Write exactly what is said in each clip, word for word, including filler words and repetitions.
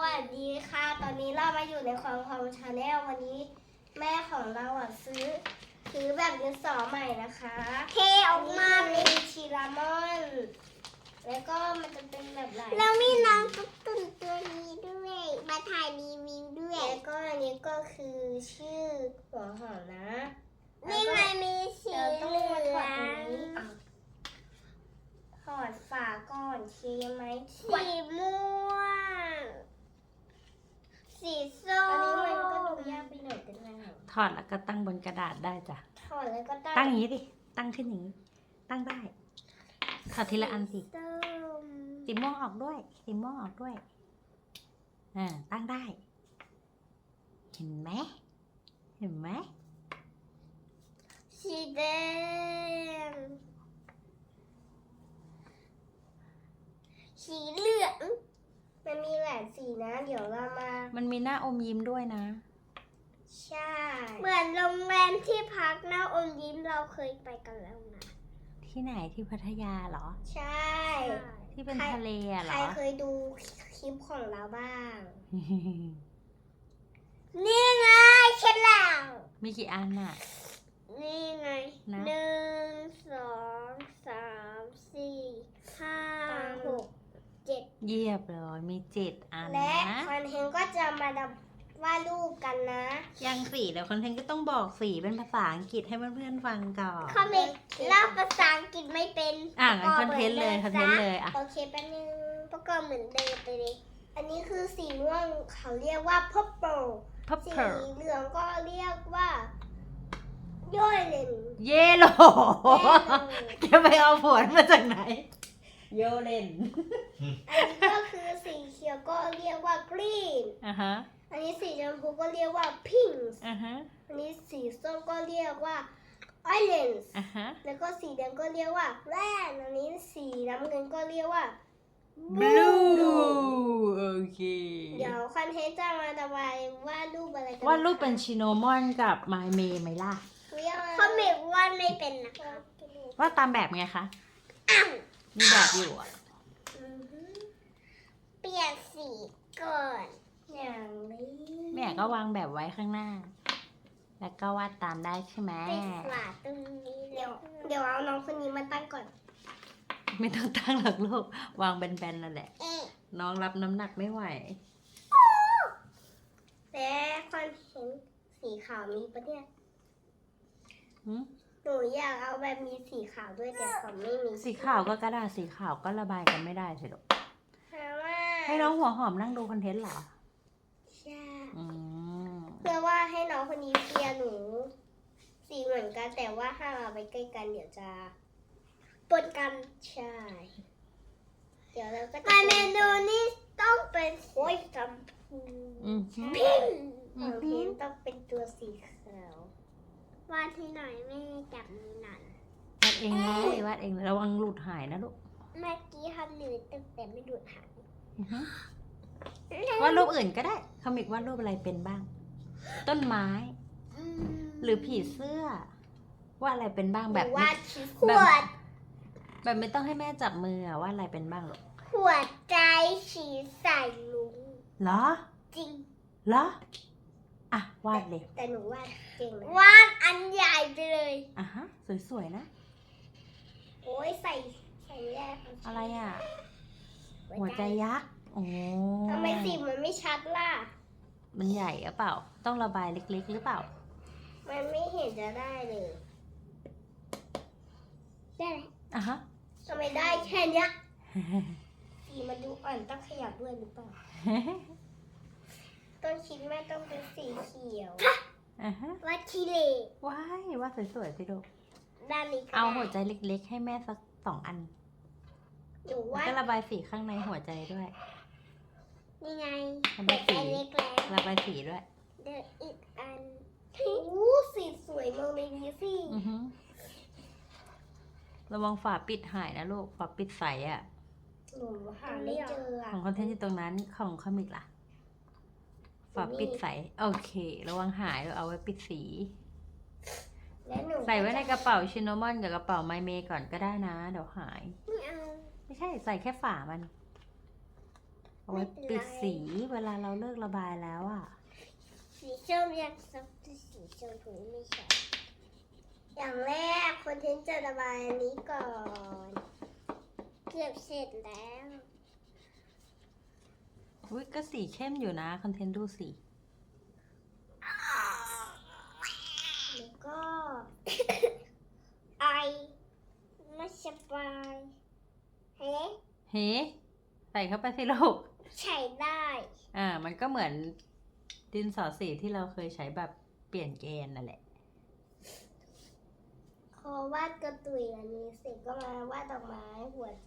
สวัสดีค่ะตอนนี้เรามาอยู่ในของของชาแนลวันนี้แม่ของเราอ่ะซื้อซื้อแบบดินสอใหม่นะคะเทออกมาเป็นชิรามอนแล้วก็มันจะเป็นแบบไหนแล้วมีน้องตุ๊กตุ่นตัวนี้ด้วยมาถ่ายรีวิวด้วยแล้วก็อันนี้ก็คือชื่อหัวหอมนะนี่ไงมีสีเหลืองถอดฝาก่อนใช่ไหมสีม่วงสีส้มอันนี้มันก็ดูยากไปหน่อยแต่ง่ายถอดแล้วก็ตั้งบนกระดาษได้จ้ะถอดแล้วก็ตั้งตั้งอย่างนี้ดิ ตั้งขึ้นอย่างนี้ ตั้งได้ ถอดทีละอันสิส้มสีม่วงออกด้วย สีม่วงออกด้วย อ่า ตั้งได้ เห็นไหม เห็นไหมสีแดงสีเหลืองมันมีหลายสีนะ เดี๋ยวเรามามันมีหน้าอมยิ้มด้วยนะใช่ เหมือนโรงแรมที่พักหน้าอมยิ้มเราเคยไปกันแล้วนะที่ไหนที่พัทยาเหรอใช่ที่เป็นทะเลอะเหรใครอเคยดูคลิปของเราบ้าง นี่ไงเช็ดแล้วมีกี่อันน่ะนี่ไงนะหนึ่งสองสามสี่ห้าหกเจ็ดเยียบเลยมีเจ็ดอันและนะคอนเทนต์ก็จะมาดับวาดรูปกันนะยังสีเดี๋ยวคอนเทนต์ก็ต้องบอกสีเป็นภาษาอังกฤษให้เพื่อนๆฟังก่อนคอมิกเล่าภาษาอังกฤษไม่เป็นอ่ะงั้นคอนเทนต์เลยคอนเทนต์เลยอ่ะโอเคแป๊บนึงประกอบเหมือนเดิมไปเลยอันนี้คือสีม่วงเขาเรียกว่า purple พับสีเพิร์เหลืองก็เรียกว่าโยเลนเยโลจะไปเอาผลมาจากไหน โยเลนอันนี้ก็คือสีเขียวก็เรียกว่า green อ่ะฮะอันนี้สีชมพูก็เรียกว่า pink อ่ะฮะอันนี้สีส้มก็เรียกว่า orange อ่ะฮะแล้วก็สีแดงก็เรียกว่า red อันนี้สีน้ำเงินก็เรียกว่า blue โอเคเดี๋ยวคอนเทนต์จะมาระบายวาดรูปอะไรกันวาดรูปเป็นชิโนมอนกับไมเมย์ไหมล่ะเขาเมกวาดไม่เป็นนะคะวาดตามแบบไงคะ มีแบบอยู่อ่ะเปลี่ยนสีก่อนอย่างนี้แม่ก็วางแบบไว้ข้างหน้า แล้วก็วาดตามได้ใช่ไหมติดฝาตรงนี้เดี๋ยวเดี๋ยวเอาน้องคนนี้มาตั้งก่อนไม่ต้องตั้งหรอกลูก วางแบนๆนั่นแหละเอ๊ะน้องรับน้ำหนักไม่ไหวและคอนเทนต์สีขาวมีปะเนี่ยหืมหนูอยากเอาแบบมีสีขาวด้วยแต่เขาไม่มีสีขาวก็กระดาษสีขาวก็ระบายกันไม่ได้สิลูกเพราะว่าให้น้องหัวหอมนั่งดูคอนเทนต์เหรอใช่อืมเพื่อว่าให้น้องคนนี้เปียร์หนู สีเหมือนกันแต่ว่าถ้าเราไปใกล้กันเดี๋ยวจะปนกันใช่ เดี๋ยวเราก็จะเมนูนี้ต้องเป็นโอ้ยจำพูอืมพิมของเพนต้องเป็นตัวสีขาววาดให้หน่อยไม่จับมือหน่อยวาดเองเลยวาดเองเลยระวังหลุดหายนะลูกเมื่อกี้ทำหนูตึงแต่ไม่ดูดหางอือฮึวาดรูปอื่นก็ได้คอมิกวาดรูปอะไรเป็นบ้าง ต้นไม้ หรือผีเสื้อวาดอะไรเป็นบ้างแบบวาดขแบวบดแบบไม่ต้องให้แม่จับมืออะวาดอะไรเป็นบ้างลูกขวดใจฉีใส่ลุงเหรอจริงเหรออ่ะวาดเลยแต่หนูวาดเก่งนะวาดอันใหญ่ไปเลยอ่ะฮะสวยๆนะโอ้ยใส่ใส่แยกอะไรอ่ะ หัวใจยักษ์โอ้ทำไมสีมันไม่ชัดล่ะมันใหญ่หรือเปล่า ต้องระบายเล็กๆหรือเปล่ามันไม่เห็นจะได้เลย ได้ไหมอ่ะฮะทำไมได้แค่เนี้ยสีมันดูอ่อนต้องขยับด้วยหรือเปล่า ต้นคิดแม่ต้องเป็นสีเขียวอ่ะฮะวาดขี้เหร่ว้ายวาดสวยๆสิลูกด้านนี้ก็เอาได้หัวใจเล็กๆ ให้แม่สักสองอันหนูแล้ววาดก็ระบายสีข้างในหัวใจด้วยนี่ไงระบายสีแต่เล็กแล้วระบายสีด้วยเดี๋ยวอีกอันโอ้สีสวยมากเลยนี่สิอือฮึระวังฝาปิดหายนะลูก ฝาปิดใสอ่ะหนูหาไม่เจออะของคอนเทนต์อยู่ตรงนั้น ของคอมิกล่ะ ฝาปิดใส โอเค ระวังหายเราเอาไว้ปิดสีและหนูใส่ไว้ในกระเป๋าชินโนมอนกับกระเป๋าไมเมก่อนก็ได้นะ เดี๋ยวหายไม่เอาไม่ใช่ใส่แค่ฝามัน เเอาไว้ปิดสีเวลาเราเลิกระบายแล้วอ่ะสีส้มยังซับสีชมพูไม่ใช่อย่างแรกคนเทนจะระบายอันนี้ก่อน เกือบเสร็จแล้วอุ้ยก็สีเข้มอยู่นะคอนเทนต์ดูสีแล้วก็ ไอไม่สบายเฮ้เฮ้ใส่เข้าไปสิลูกใช้ได้อ่า มันก็เหมือนดินสอสีที่เราเคยใช้แบบเปลี่ยนแกนนั่นแหละพอวาดกระตุยอันนี้เสร็จก็มาวาดดอกไม้หัวใจ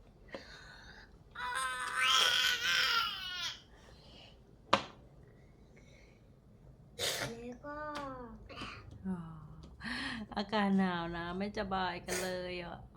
แล้วก็อ๋ออากาศหนาวนะ ไม่สบายกันเลยอ่ะ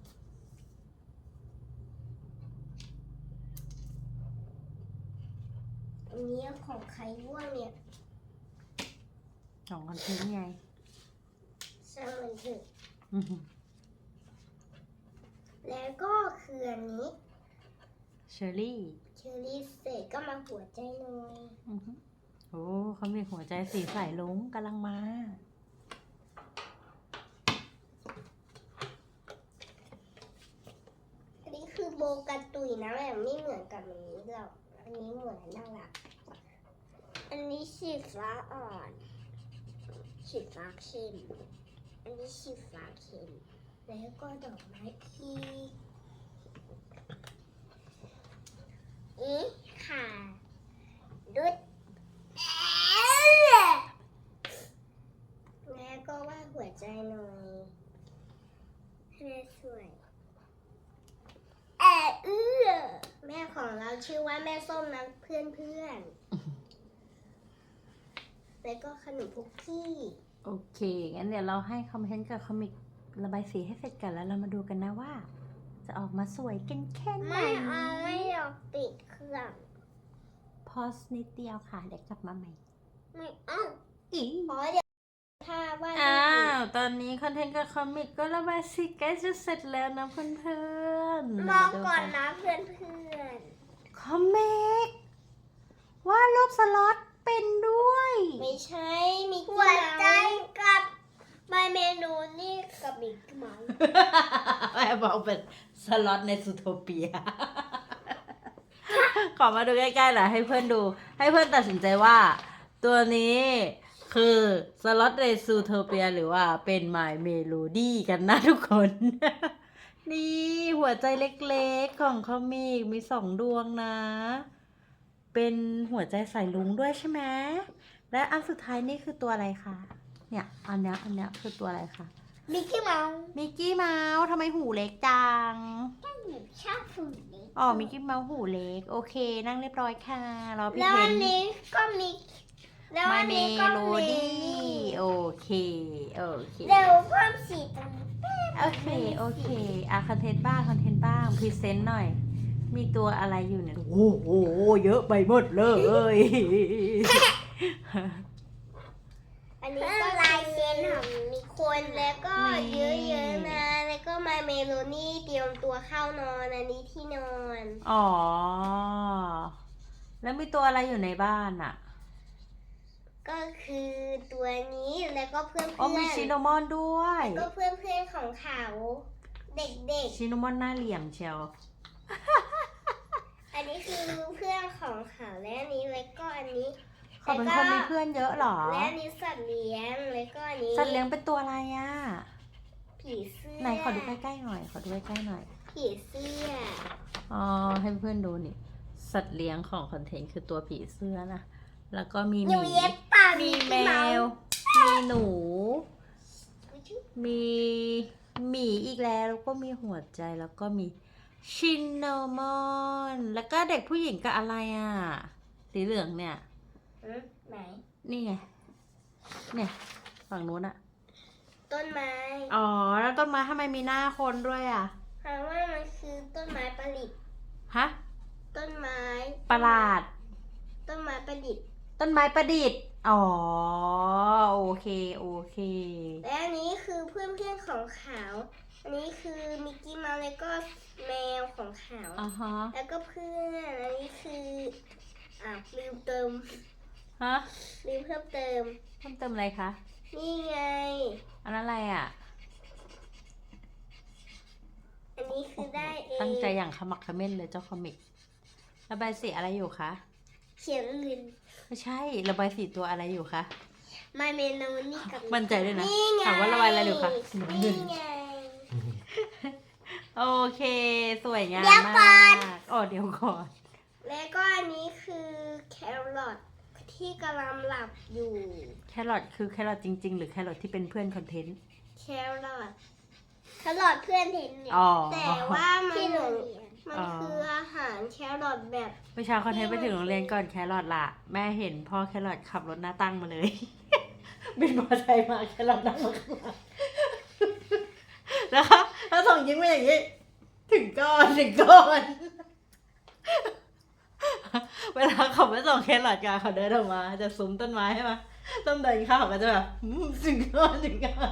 อันนี้ของใครร่วงเนี่ยสองคอนเทนต์ไงช่างมันเถอะอื้อหือแล้วก็คืออันนี้เชอรี่เชอรี่เสร็จก็มาหัวใจหน่อยอื้อหือโอ้เขามีหัวใจสีสายลุงกำลังมาอันนี้คือโบกันตุยนะแบบไม่เหมือนกับอันนี้หรอกอันนี้เหมือนน่ารัก อันนี้สีฟ้าอ่อนสีฟ้าเข้มอันนี้สีฟ้าเข้มแล้วก็ดอกไม้อีกอีกค่ะดุดแล้วก็วาดหัวใจหน่อยให้แม่สวยแอบเอื้อแม่ของเราชื่อว่าแม่ส้มนะเพื่อนเพื่อนๆแล้วก็ขนมพุกกี้โอเค งั้นเดี๋ยวเราให้คอมเมนต์กับคอมิกระบายสีให้เสร็จกันแล้วเรามาดูกันนะว่า จะออกมาสวยกันแค่ไหนไม่เอาไม่อยากปิดเครื่องพอสนิดเดียวค่ะ เดี๋ยวกลับมาใหม่ไม่เอาอีเพราะเดี๋ยวถ้าว่าดอ้าว ตอนนี้คอนเทนต์กับคอมิกก็ระบายสีใกล้จะเสร็จแล้วนะเพื่อนๆมองก่อนนะเพื่อนเพื่อนคอมิกว่าดรูปสล็อตเป็นด้วยๆไม่ใช่มีหัวใจกับใบเมนูนี่กับมิกกี้เมาส์แม่บอกเป็นสล็อตในซูโทเปีย ขอมาดูใกล้ๆหน่อยให้เพื่อนดู ให้เพื่อนตัดสินใจว่า ตัวนี้คือสล็อตในซูโทเปียหรือว่าเป็นไมล์เมโลดี้กันนะทุกคน นี่หัวใจเล็กๆของคอมิกมีสองดวงนะ เป็นหัวใจใส่ลุงด้วยใช่ไหมและอันสุดท้ายนี่คือตัวอะไรคะเนี่ยอันเนี้ยอันเนี้ยคือตัวอะไรคะมิกกี้เมาส์มิกกี้เมาส์ทำไมหูเล็กจังหนูชอบผู้นี้อ๋อ มิกกี้เมาส์หูเล็ก โอเค นั่งเรียบร้อยค่ะ รอพี่แล้วเพอันนนี้ก็มีแล้วมาอันเมนี้ก็โลมีดี้โอเค โอเคเดี๋ยวเพิ่มสีตรงนี้โอเค โอเค อ่ะคอนเทนต์บ้าง คอนเทนต์บ้าง พรีเซนต์หน่อย มีตัวอะไรอยู่เนี่ย โอ้โห เยอะไปหมดเลยอันนี้ก็ลายเซ็นของมีคนแล้วก็นี่เยอะๆนะแล้วก็มาเมโลนี่เตรียมตัวเข้านอนอันนี้ที่นอนอ๋อ แล้วมีตัวอะไรอยู่ในบ้านอ่ะก็คือตัวนี้แล้วก็เพื่อนๆอ๋อ มีชิโนมอนด้วยก็เพื่อนๆของเขาเด็กชิโนมอนหน้าเหลี่ยมเชียวๆ อันนี้คือเพื่อนของเขาและอันนี้แล้วก็อันนี้เขาเป็นคนมีเพื่อนเยอะเหรอและอันนี้สัตว์เลี้ยงแล้วก็อันนี้สัตว์เลี้ยงเป็นตัวอะไรอ่ะผีเสื้อไหนขอดูใกล้ๆหน่อย ขอดูใกล้ๆหน่อยผีเสื้ออ๋อ ให้เพื่อนดูนี่ สัตว์เลี้ยงของคอนเทนต์คือตัวผีเสื้อนะ แล้วก็มีหหนูมีเย็บปากมีแมกี้วส์มีหนู มีหมีอีกแล้ว แล้วก็มีหัวใจ แล้วก็มีชินนามอน แล้วก็เด็กผู้หญิงกับอะไรอ่ะ สีเหลืองเนี่ยอืมไหนนี่ไง เนี่ย ฝั่งนู้นอะต้นไม้อ๋อ แล้วต้นไม้ทำไมมีหน้าคนด้วยอ่ะเพราะว่ามันคือต้นไม้ประดิษฐ์ฮะต้นไม้ประหลาดต้นไม้ประดิษฐ์ต้นไม้ประดิษฐ์ อ๋อ โอเค โอเคและอันนี้คือเพื่อนๆของเขาอันนี้คือมิกกี้เมาส์แล้วก็แมวของเขาอ่าฮะแล้วก็เพื่อนอันนี้คืออ่าลืมเติมฮะลืมเพิ่มเติมเพิ่มเติมอะไรคะนี่ไงอันนั้นอะไรอ่ะอันนี้คือได้เองตั้งใจอย่างขมักเขม้นเลยเจ้าคอมิก ระบายสีอะไรอยู่คะเขียนอื่นไม่ใช่ ระบายสีตัวอะไรอยู่คะมาเมนูนี่กับมั่นใจด้วยนะนี่ไงถามว่าระบายอะไรอยู่คะสีน้ำเงินี่นไงโอเค สวยงามเดี๋ยวก่มาอนกอ๋อเดี๋ยวก่อนแล้วก็อันนี้คือแครอทที่กำลังหลับอยู่แครอทคือแครอทจริง ๆ หรือแครอทที่เป็นเพื่อนคอนเทนต์แครอทแครอทเพื่อนเห็นเนี่ยอ๋อแต่ว่ามันที่โรงเรียนมันอ๋อคืออาหารแครอทแบบประชาคอนเทนต์ไปถึงโรงเรียนก่อนแครอทละแม่เห็นพ่อแครอทขับรถหน้าตั้งมาเลย บินมอเตอร์ไซค์มาแครอทนั่งมาข้างหลังนะคะถ้าส่งยิ้มมาอย่างนี้ ถึงก่อนถึงก่อน เวลาเขาไปส่งแครอทกันเขาเดินออกมา จะซุ้มต้นไม้ใช่ไหมต้นเดินเข้าเขาก็จะแบบอืมถึงก่อนถึงก่อน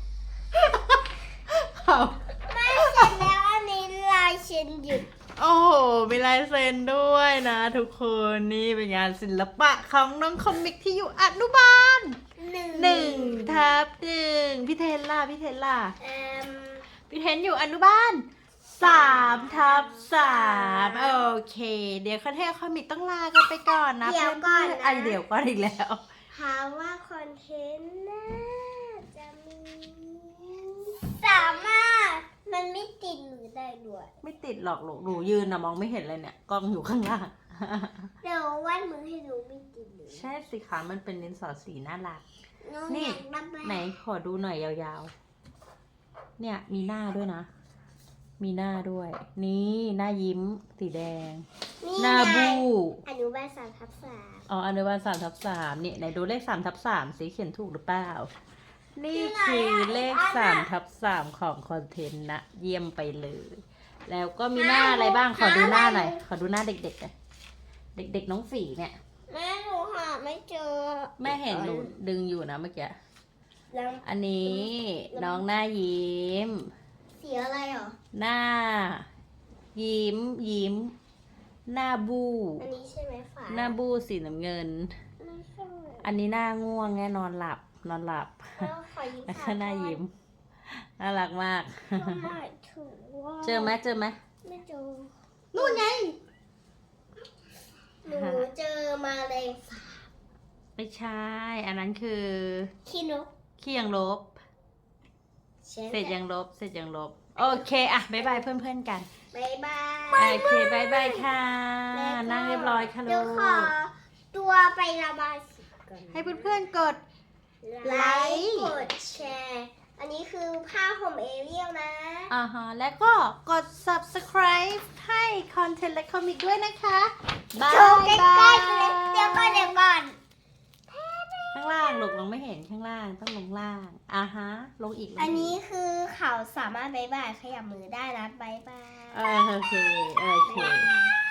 เขาไม่เสร็จแล้วอันนี้ลายเซ็นหยุดโอ้โหมีลายเซ็นด้วยนะทุกคนนี่เป็นงานศิลปะของน้องคอมิกที่อยู่อนุบาลหนึ่งหนึ่งทับหนึ่งพี่เทนล่ะพี่เทนล่ะเอ่มพี่เทนอยู่อนุบาลสามทับสามโอเค เดี๋ยวคอนเทนต์คอมิกต้องลากันไปก่อนนะเดี๋ยวก่อนเพื่ๆนะไอะเดี๋ยวก่อนอีกแล้วหาว่าคอนเทนต์น่าจะมี สามารถมันไม่ติดหรือได้ด้วยไม่ติดหรอกหนูหนูยืนนะมองไม่เห็นเลยเนี่ยกล้องอยู่ข้างล่างเดี๋ยววาดมือให้ดูไม่ติดหรือใช่สิคะมันเป็นดินสอสีน่ารักน้องนี่อยากระบายไหนขอดูหน่อยยาวๆ เนี่ยมีหน้าด้วยนะ มีหน้าด้วย นี่หน้ายิ้มสีแดงนี่หน้าไงบู้อนุบาลสามทับสามอ๋ออนุบาลสามทับสามเนี่ยไหนดูเลขสามทับสามสีเขียนถูกหรือเปล่า นี่คือเลขสามทับสามของคอนเทนต์นะ เยี่ยมไปเลย แล้วก็มีหน้าอะไรบ้าง ขอดูหน้าหน่อย ขอดูหน้าเด็กๆหน่อยเด็กๆน้องฝีเนี่ยแม่หนูหาไม่เจอแม่เห็นหนูดึงอยู่นะเมื่อกี้แล้วอันนี้น้องหน้ายิ้มสีอะไรเหรอหน้า ยิ้มยิ้ม หน้าบูอันนี้ใช่ไหมฝาหน้าบูสีน้ำเงินไม่ใช่อันนี้หน้าง่วงไงนอนหลับ นอนหลับแล้วขอยิ้มแล้วฝาก็หน้ายิ้ม น่ารักมากก็หมายถึงว่าเจอไหมเจอไหมไม่เจอนู่นไงหนูเจอมาเลยไม่ใช่ อันนั้นคือขี้นกขี้ยังลบเช่นเสร็จยังลบ เสร็จยังลบ โอเคอะบ๊ายบายเพื่อนๆกันบายบายโอเคบายบายค่ะแล้วก็นั่งเรียบร้อยค่ะเดี๋ลูยวขอก ตัวไประบายสีก่อนให้เพื่อนๆกดไลค์กดแชร์ อันนี้คือผ้าห่มเอเรียลนะอ่าฮะ แล้วก็กด subscribe ให้คอนเทนต์และคอมิกด้วยนะคะบายโชว์ใกล้ๆเลยเดี๋ยวก่อนเดี๋ยวก่อนข้างล่างลูกมองไม่เห็นข้างล่างต้องลงล่างอ่าฮะ ลงอีกลงกอันนี้คือเขาสามารถบายบายขยับมือได้นะบายบายเออโอเค โอเค